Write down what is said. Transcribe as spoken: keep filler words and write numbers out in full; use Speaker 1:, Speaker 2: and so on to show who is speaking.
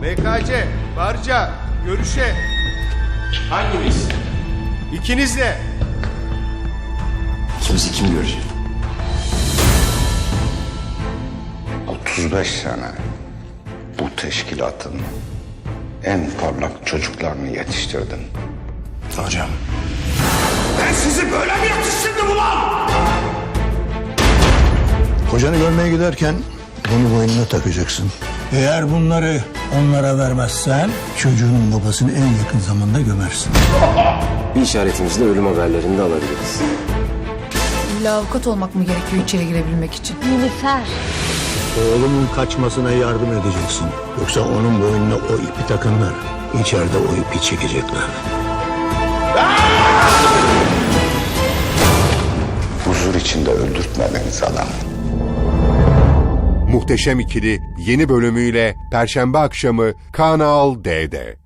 Speaker 1: B K C, Barca, görüşe.
Speaker 2: Hangimiz?
Speaker 1: İkiniz de.
Speaker 2: İkimizi kim görecek?
Speaker 3: otuz beş sene bu teşkilatın en parlak çocuklarını yetiştirdim.
Speaker 2: Hocam. Ben sizi böyle mi yetiştirdim ulan?
Speaker 4: Kocanı görmeye giderken bunu boynuna takacaksın. Eğer bunları onlara vermezsen çocuğunun babasını en yakın zamanda gömersin.
Speaker 5: Bir işaretimizle ölüm haberlerini de alabiliriz.
Speaker 6: İlla avukat olmak mı gerekiyor içeri girebilmek için?
Speaker 7: Nilüfer.
Speaker 4: Oğlumun kaçmasına yardım edeceksin. Yoksa onun boynuna o ipi takınlar. İçeride o ipi çekecekler.
Speaker 3: Huzur içinde öldürtmediniz adam.
Speaker 8: Muhteşem İkili yeni bölümüyle Perşembe akşamı Kanal D'de.